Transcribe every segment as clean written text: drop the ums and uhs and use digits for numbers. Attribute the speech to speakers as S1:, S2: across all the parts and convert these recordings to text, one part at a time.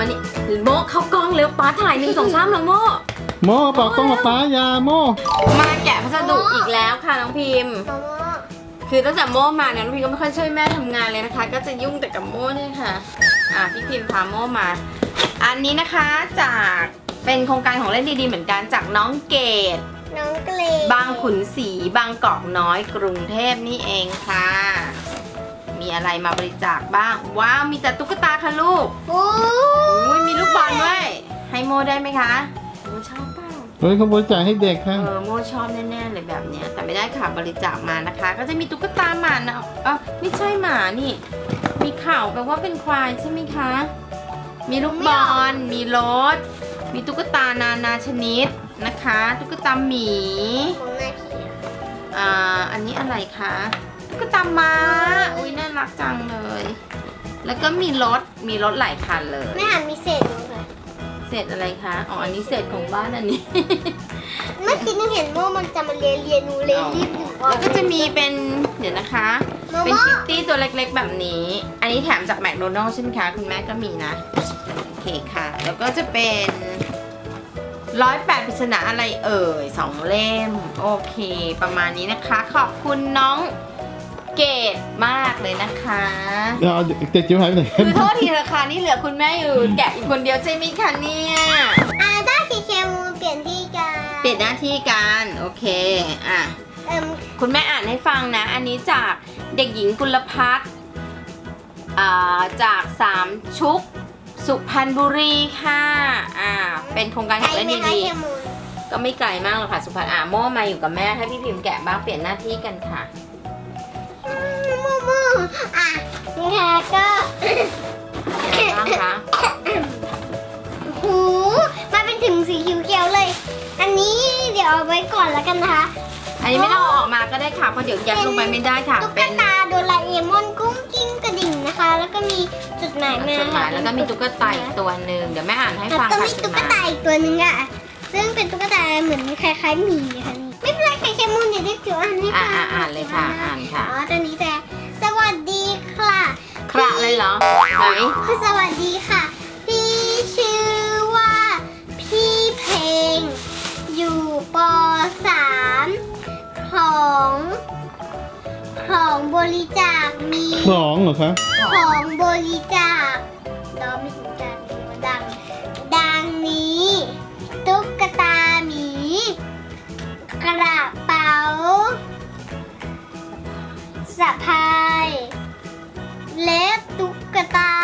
S1: นี้โมเข้ากล้องเร็วป้าถ่าย1 2 3แล้วโม
S2: โม่บอกต้องกับป้ายาโม่
S1: มาแกะพัสดุอีกแล้วค่ะน้องพิมพ์คือตั้งแต่โมมาเนี่ยน้องพิมก็ไม่ค่อยช่วยแม่ทำงานเลยนะคะก็จะยุ่งแต่กับโมเนี่ยค่ะพี่พิมพาโมมา อันนี้นะคะจากเป็นโครงการของเล่นดีๆเหมือนกันจากน้องเกดบางขุนศรีบางกอกน้อยกรุงเทพนี่เองค่ะมีอะไรมาบริจาคบ้างว้าวมีแต่ตุ๊กตาค่ะลูกโอ้ยมีลูกบอลด้วยให้โมได้ไหมคะโมชอบเปล่า
S2: เฮ้ยเขาบริจาคให้เด็กค่ะ
S1: โมชอบแน่ๆเลยแบบเนี้ยแต่ไม่ได้ค่ะบริจาคมานะคะ ก็จะมีตุ๊กตาหมานะไม่ใช่หมานี่มีข่าวแปลว่าเป็นควายใช่ไหมคะมีลูกบอลมีรถมีตุ๊กตานานาชนิดนะคะตุ๊กตาหมีอันนี้อะไรคะตุ๊กตาม้าอุ้ยน่ารักจังเลยแล้วก็มีรถหลายคันเลย
S3: ไม่มีเศษเลย
S1: เศษอะไรคะอันนี้เศษของบ้านอันนี้
S3: เมื่อกี้นึกเห็นว่ามันจะมาเรียนหนูเลยรีบอยู่
S1: แล้วก็จะมีเป็นเดี๋ยวนะคะเป็นคิตตี้ตัวเล็กๆแบบนี้อันนี้แถมจากแมคโดนัลด์ใช่ไหมคะคุณแม่ก็มีนะโอเคค่ะแล้วก็จะเป็น108 ปริศนาอะไร2 เล่มโอเคประมาณนี้นะคะขอบคุณน้องเกดมากเลยนะคะ
S2: เดี๋ยวเด็กจิ๋วหายไปไหน
S1: คือโทษทีราคานี่เหลือคุณแม่อยู่แกะอีกคนเดียวใช่ไหมคะเนี่ย
S3: ได้เคมูเปลี่ยนที่กัน
S1: เปลี่ยนหน้าที่กันโอเคคุณแม่อ่านให้ฟังนะอันนี้จากเด็กหญิงกุลพัฒน์จาก3 ชุกสุพรรณบุรีค่ะเป็นโครงการของเล่นดีๆก็ไม่ไกลมากหรอกค่ะสุพรรณโม่มาอยู่กับแม่ให้พี่พิมพ์แกะบ้างเปลี่ยนหน้าที่กันค่ะ
S3: โม่นี่ค่ะก็
S1: อะไรบ้างคะ
S3: หูมาเป็นถึงสีเขียวๆเลยอันนี้เดี๋ยวเอาไว้ก่อนแล้วกันนะคะ
S1: อันนี้ไม่ต้องออกมาก็ได้ค่ะเพราะเดี๋ยวยัดลงไปไม่ได้ค่ะ
S3: ตุ๊กตาโดราเอมอนกุ้งกิ้งกระดิ่งนะคะแล้วก็มีจดหมายมา
S1: แล้วก็มีตุ๊กตาอีกตัวหนึ่งเดี๋ยวแม่อ่านให้ฟังค่ะ
S3: แล้วก็มีตุ๊กตาอีกตัวหนึ่งอ่ะซึ่งเป็นตุ๊กตาเหมือนคล้ายๆหมีค่ะนี่ไม่เป็นไรใครแค่มูนอย่าได้จิ๋วอ่านให้ฟัง
S1: อ่านเลยค่ะอ่านค่ะ
S3: ตัวนี้แต่สวัสดีค่ะ
S1: คระเลยเหรอไหน
S3: สวัสดีค่ะพี่ชื่อว่าพี่เพลงอยู่ป.3 ของบริจาคมี
S2: ของเหรอคะ
S3: ของบริจาคเราไม่ถึงจานดังนี้ตุ๊กตาหมีกระเป๋าสะพายและตุ๊กตา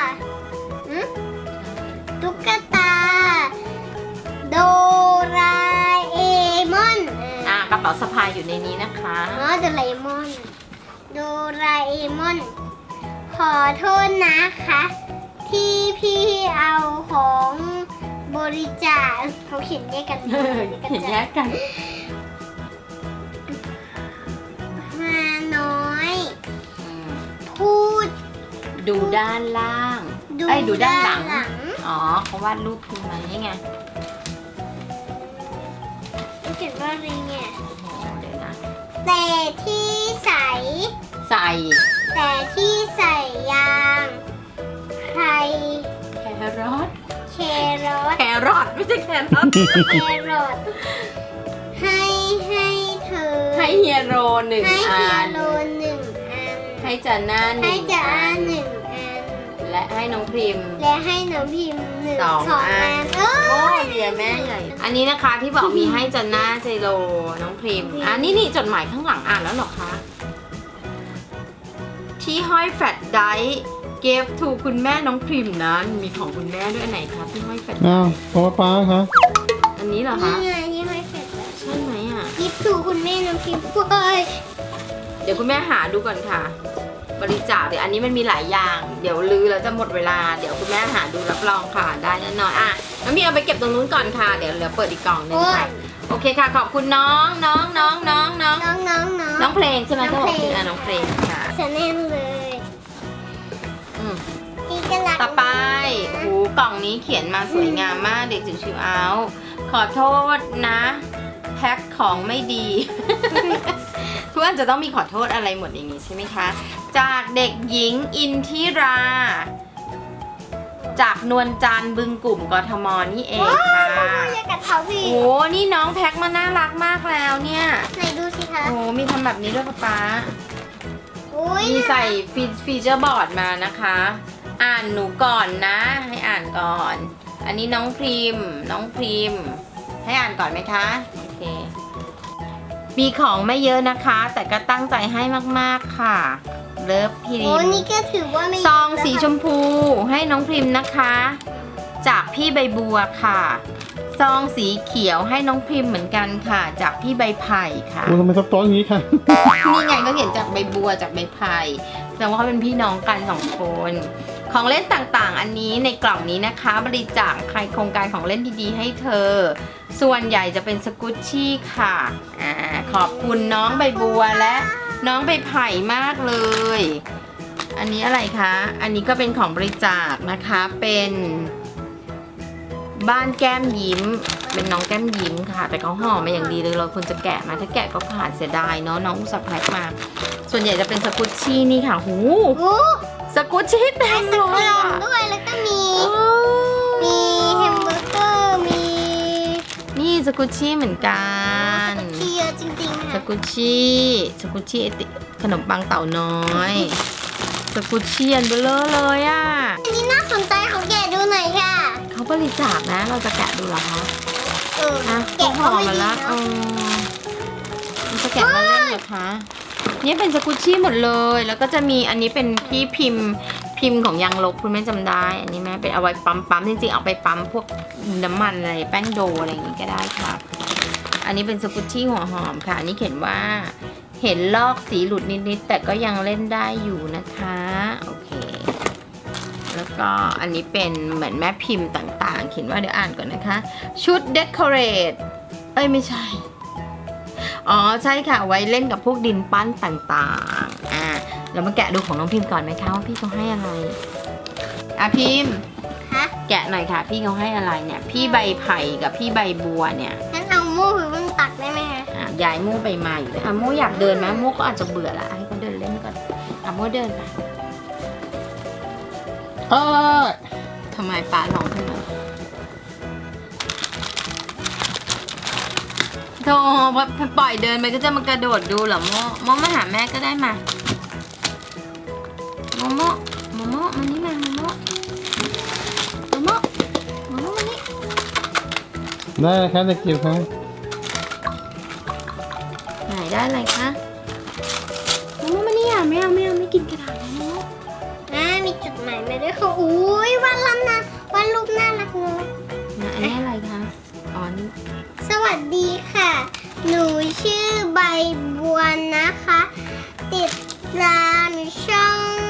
S3: โดราเอมอน
S1: กระเป๋าสะพายอยู่ในนี้นะคะ
S3: โดราเอมอนขอโทษนะคะที่พี่เอาของบริจาคเขาเขียนแยกกันมาน้อยพูด
S1: ดูด้านล่างดูด้านหลังเขาวาดรูปคุณไหมไง
S3: เขียนว่าอะไรเนี่ยแต่ที่ใส่แต่ที่ใส่ยางแครอท
S1: ไม่ใช่แครอท
S3: ให้เธอ
S1: ให้เฮียโร1 อันให้จาน่า1 อันและให้น้องพิมพ์2 อันโอ้ยเดี๋ยวแม่ใหญ่อันนี้นะคะที่บอกมีให้จาน่าเจโรน้องพิมพ์นี่จดหมายข้างหลังอ่านแล้วหรอคะที่ห้อยแฟลชไดร์เก็บถูกคุณแม่น้องพิมพ์นะมีของคุณแม่ด้วยไหนคะที่ห้อยแฟลช
S2: ของป้าคะ
S1: อันนี้เหรอคะ
S3: นี่ไงที่ห้อยแฟลช
S1: ใช่ไหม
S3: กิฟต์ถูกคุณแม่น้องพิมพ์
S1: เดี๋ยวคุณแม่หาดูก่อนค่ะบริจาคเดี๋ยวอันนี้มันมีหลายอย่างเดี๋ยวลือแล้วจะหมดเวลาเดี๋ยวคุณแม่หาดูรับรองค่ะได้แน่นอนน้องพี่เอาไปเก็บตรงนู้นก่อนค่ะเดี๋ยวเหลือเปิดอีกกล่องนึงค่ะโอเคค่ะขอบคุณน้องเพลงใช่ไหมที่บอกคือน้องเพลงค่ะ
S3: ชาแนลเลย
S1: ต่อไปกล่องนี้เขียนมาสวยงามมากเด็กจิ๋วชิวเอาขอโทษนะแพ็คของไม่ดีเพื่อนจะต้องมีขอโทษอะไรหมดอย่างนี้ใช่ไหมคะจากเด็กหญิงอินทิราจากนวลจันทร์บึงกลุ่มกทมนี่เอง
S3: ว้า
S1: ค่ะ
S3: วอย่ากัดเท้าพี่
S1: โอ้นี่น้องแพ็คมาน่ารักมากแล้วเนี่ย
S3: ไหนดูสิคะ
S1: โอ้มีทำแบบนี้ด้วยป๊า
S3: อุ้ย
S1: มีใส่ฟีเจอร์บอร์ดมานะคะ อ่านหนูก่อนนะ ให้อ่านก่อน อันนี้น้องพริมให้อ่านก่อนไหมคะโอเคมีของไม่เยอะนะคะ แต่ก็ตั้งใจให้มากๆค่ะเลิฟพริ
S3: โอ้
S1: ม
S3: นี่ก็ถือว่าไม่
S1: ซองสีชมพูให้น้องพริมนะคะ จากพี่ใบบัวค่ะซองสีเขียวให้น้องพริมเหมือนกันค่ะ จากพี่ใบไผ่ค่ะ
S2: โอ้ทำไมซับซ้อนอย่างนี้ค่ะ
S1: นี่ไงก็เห็นจากใบบัวจากใบไผ่แสดงว่าเขาเป็นพี่น้องกันสองคน ของเล่นต่างๆ อันนี้ในกล่องนี้นะคะ บริจาคใครโครงการของเล่นดีๆให้เธอ ส่วนใหญ่จะเป็นสกุชชี่ค่ะขอบคุณน้องใบบัวและน้องใบไผ่มากเลย อันนี้อะไรคะ อันนี้ก็เป็นของบริจาคนะคะเป็นบ้านแก้มยิ้ม เป็นน้องแก้มยิ้มค่ะ แต่เขาห่อมาอย่างดีเลยเราควรจะแกะมาถ้าแกะก็ขาดเสียดายเนาะน้องอุตส่าห์แพ็คมา ส่วนใหญ่จะเป็นสกุชชี่นี่ค่ะหู
S3: โอ้
S1: สกุชชี่เต็
S3: ไอ
S1: ม
S3: ศ
S1: เล
S3: ครี
S1: ย
S3: ม
S1: อะ
S3: ด้วยแล้วก็มีแฮมเบอร์เกอร์มี
S1: นี่สกุชชี่เหมือนกัน
S3: เทียจริงๆ
S1: ส
S3: ค่ะ
S1: กุชชี่ไอติขนมปังเต่าน้อยสกุชชี่อันเบลเลอร์เลยอ่ะ
S3: อันนี้น่าสนใจของแกะดูหน่อยค่ะ
S1: เขาบริจาคนะเราจะแกะดูเหรอคะ อ่ะ
S3: แกะ
S1: ห่
S3: ก็
S1: อ
S3: ไม่
S1: มา
S3: ดี
S1: ละ
S3: เนาะ
S1: มันจะแกะมาเล่นเหรอคะ นี่เป็นสกุชชี่หมดเลย แล้วก็จะมีอันนี้เป็นที่พิมพ์ของยางลบคุณแม่จำได้ อันนี้แม่เป็นเอาไว้ปั๊มจริงๆเอาไปปั๊มพวกน้ำมันอะไรแป้งโดอะไรอย่างงี้ก็ได้ค่ะ อันนี้เป็นสกุชชี่หัวหอมค่ะ อันนี้เขียนว่าเห็นลอกสีหลุดนิดๆแต่ก็ยังเล่นได้อยู่นะคะโอเค แล้วก็อันนี้เป็นเหมือนแม่พิมพ์ต่างๆ เขียนว่าเดี๋ยวอ่านก่อนนะคะ ชุดเดคอเรทไม่ใช่ อ๋อใช่ค่ะไว้เล่นกับพวกดินปั้นต่างๆเรามาแกะดูของน้องพิมพ์ก่อนไหมคะว่าพี่เขาให้อะไรพิมพ์
S3: ฮะ
S1: แกะหน่อยค่ะพี่เขาให้อะไรเนี่ยพี่ใบไผ่กับพี่ใบบัวเนี่ย
S3: งั้นเอามูหรือมันตักได้ไหมคะ
S1: ยายโม่ไปมาอยู่เลยโม่อยากเดินไหมโม่ก็อาจจะเบื่อละให้เขาเดินเล่นก่อนโม่เดินไป ทำไมป้าร้องขึ้นมาโธ่พอปล่อยเดินไปก็จะมากระโดดดูเหรอโมมาหาแม่ก็ได้มาโมมานี่มาโมมานี่
S2: ได้เลยครับเด็กจิ๋วครับ
S1: ไหนได้อะไรคะโมมานี่ไม่เอาไม่กินกระดาษโม
S3: มีจุดหมายมาด้วยค่ะอุ้ยวันลำนะวันรูปน่ารักเลย
S1: อันนี้อะไรคะอ๋อนี่
S3: สวัสดีค่ะ หนูชื่อใบบัวนะคะ ติดตามช่อง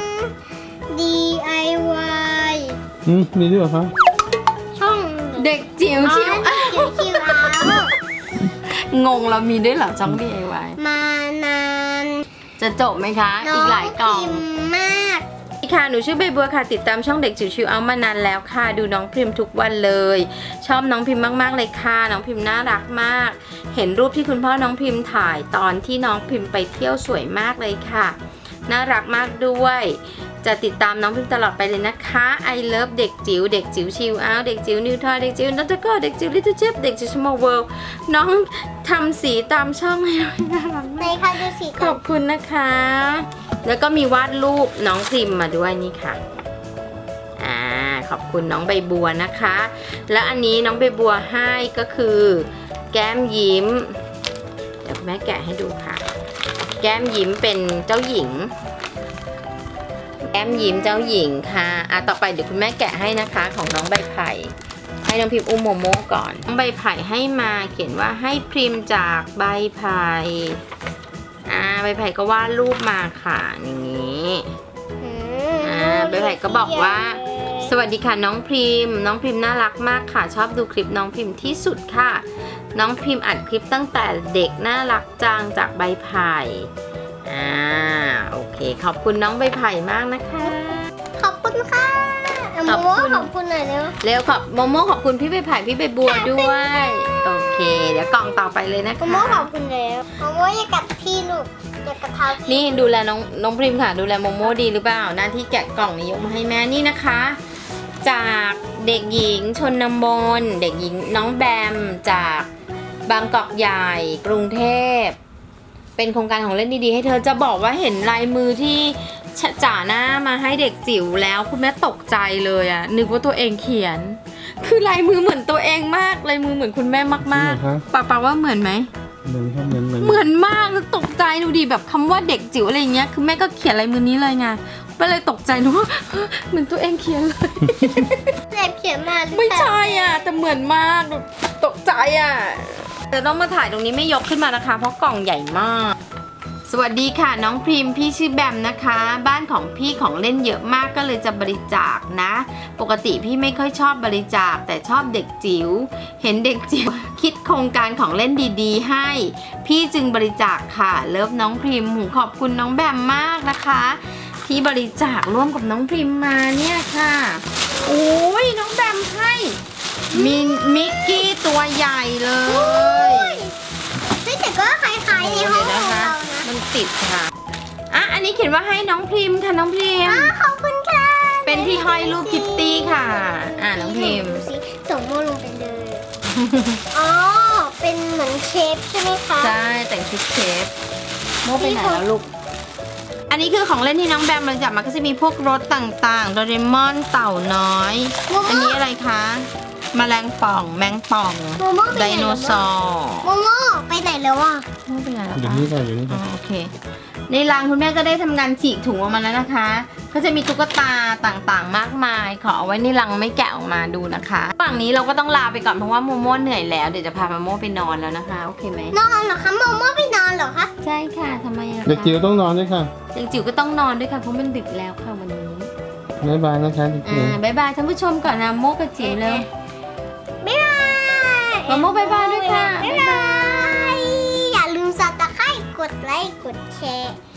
S3: DIY
S2: มีด้วยเหรอครับ
S3: ช่อง
S1: เด็กจิ๋วชิว
S3: ชิวเอา
S1: งงเรามีด้วยเหรอช่อง DIY
S3: มานาน
S1: จะจบไหมคะ อีกหลายกล่อง
S3: พิมพ์มาก
S1: ค่ะหนูชื่อใบบัวค่ะติดตามช่องเด็กจิ๋วชิวเอามานานแล้วค่ะดูน้องพิมพ์ทุกวันเลย ชอบน้องพิมพ์มากๆเลยค่ะน้องพิมพ์น่ารักมาก เห็นรูปที่คุณพ่อน้องพิมพ์ถ่ายตอนที่น้องพิมพ์ไปเที่ยวสวยมากเลยค่ะน่ารักมากด้วยจะติดตามน้องพิมพ์ตลอดไปเลยนะคะ I love เด็กจิ๋วชิวเอาเด็กจิ๋วนิวทอยเด็กจิ๋วนัตโกเด็กจิ๋วลิตเติ้ลเชฟเด็กจิ๋วสมอลเวิลด์น้องทำสีตามช่องให้น่ารัก
S3: ใน
S1: มาก
S3: ค่ะดูสี
S1: ข
S3: ก่อ
S1: อน บคุณนะคะ แล้วก็มีวาดรูปน้องพิมพ์มาด้วยนี่ค่ะขอบคุณน้องใบบัวนะคะ แล้วอันนี้น้องใบบัวให้ก็คือแก้มยิ้มเดี๋ยวแม่แกะให้ดูค่ะ แก้มยิ้มเป็นเจ้าหญิง แก้มยิ้มเจ้าหญิงค่ะต่อไปเดี๋ยวคุณแม่แกะให้นะคะของน้องใบไผ่ให้น้องพิมพ์อุ้มโมโม่ก่อนน้องใบไผ่ให้มาเขียนว่าให้พิมพ์จากใบไผ่ใบไผ่ก็วาดรูปมาค่ะอย่างนี้ใบไผ่ก็บอกว่าสวัสดีค่ะน้องพิมพ์น่ารักมากค่ะชอบดูคลิปน้องพิมพ์ที่สุดค่ะน้องพิมพ์อัดคลิปตั้งแต่เด็กน่ารักจังจากใบไผ่โอเคขอบคุณน้องใบไผ่มากนะคะ
S3: ขอบคุณค่ะ
S1: ขอบคุณ
S3: ขอบคุณหน่อยเร็ว
S1: เร็วโมโม่ขอบคุณพี่ใบไผ่พี่ใบบัวด้วยโอเคเดี๋ยวกล่องต่อไปเลยนะ
S3: โม
S1: คะ
S3: โม่ขอบคุณแล้วโมโม่อย่ากัดพี่ลูกอย่ากัดเท้าพี่
S1: นี่ดูแลน้องพริมค่ะดูแลโมโม่ดีหรือเปล่าหน้าที่แกะกล่องนี้ยกมาให้แม่นี่นะคะจากเด็กหญิงชนบนเด็กหญิงน้องแบมจากบางกอกใหญ่กรุงเทพเป็นโครงการของเล่นดีๆให้เธอจะบอกว่าเห็นลายมือที่จ่าหน้ามาให้เด็กจิ๋วแล้วคุณแม่ตกใจเลยอะนึกว่าตัวเองเขียน คือลายมือเหมือนตัวเองมากลายมือเหมือนคุณแม่มากๆป้าว่าเหมือนไหม
S2: เหมือนครับเหมือน
S1: เหมือนมากแล้วตกใจดูดิแบบคำว่าเด็กจิ๋วอะไรอย่างเงี้ยคือแม่ก็เขียนลายมือนี้เลยไงก็เลยตกใจดูว่าเหมือนตัวเองเขียนเลย
S3: เล็บเขียนมาหรือเปล่า
S1: ไม่ใช่อ่ะแต่เหมือนมากตกใจอ่ะแต่ต้องมาถ่ายตรงนี้ไม่ยกขึ้นมานะคะ เพราะกล่องใหญ่มาก สวัสดีค่ะน้องพริมพี่ชื่อแบมนะคะ บ้านของพี่ของเล่นเยอะมากก็เลยจะบริจาคนะ ปกติพี่ไม่ค่อยชอบบริจาคแต่ชอบเด็กจิ๋วเห็นเด็กจิ๋วคิดโครงการของเล่นดีๆให้พี่จึงบริจาคค่ะเลิฟน้องพริมขอบคุณน้องแบมมากนะคะที่บริจาคร่วมกับน้องพริมมาเนี่ยค่ะโอ้ยน้องแบมให้มิกกี้ตัวใหญ่เลย
S3: เฮ้ยแต่ก็คล้ายๆในห้องของเรานะ
S1: มันติดค่ะอ่ะอันนี้เขียนว่าให้น้องพริมค่ะน้องพริม
S3: ขอบคุณค่ะ
S1: เป็นที่ห้อยรูปคิตตี้ค่ะน้องพริม
S3: ดูสิส่งโมลงไปเลย อ๋อ เป็นเหมือนเชฟใช่ไหมคะ
S1: ใช่แต่งชุดเชฟโมไปไหนแล้วลูกอันนี้คือของเล่นที่น้องแบมบริจาคมาก็จะมีพวกรถต่างๆโดเรมอนเต่าน้อยอันนี้อะไรคะแมลงป่องแมงป่อง
S3: โมโม่ไป
S1: ได
S3: ไหน
S1: โน
S3: แล้ว
S1: เสาร์
S3: โมโม่ไปไหนแล้วอ่ะ
S1: โมไปไหนแล้ว
S2: อยู่
S1: คะ
S2: นี่ค่ะอยู่นี่
S1: อ๋อ
S2: ค่ะ
S1: โอเคในรังคุณแม่ก็ได้ทำงานฉีกถุงออกมาแล้วนะคะก็จะมีตุ๊กตาต่างๆมากมายขอเอาไว้ในรังไม่แกะออกมาดูนะคะฝั่งนี้เราก็ต้องลาไปก่อนเพราะว่าโมโม่เหนื่อยแล้วเดี๋ยวจะพาโมโม่ไปนอนแล้วนะคะโอเคไหม
S3: นอนเหรอคะโมโม่ไปนอนเหรอคะ
S1: ใช่ค่ะทำไมอะคะ
S2: เด็กจิ๋วต้องนอนด้วยค่ะ
S1: เด็กจิ๋วก็ต้องนอนด้วยค่ะเพราะมันดึกแล้วค่ะวันนี้
S2: บ๊ายบายนะคะเด็กจิ๋ว
S1: บ๊ายบายท่านผู้ชมก่อนนะโมกับจิ๋วเลย
S3: บ๊ายบาย
S1: โมโม่บ๊ายบายด้วยค่ะ
S3: บ๊ายบาย อย่าลืมสับตะไคร้กดไลค์ กดแชร์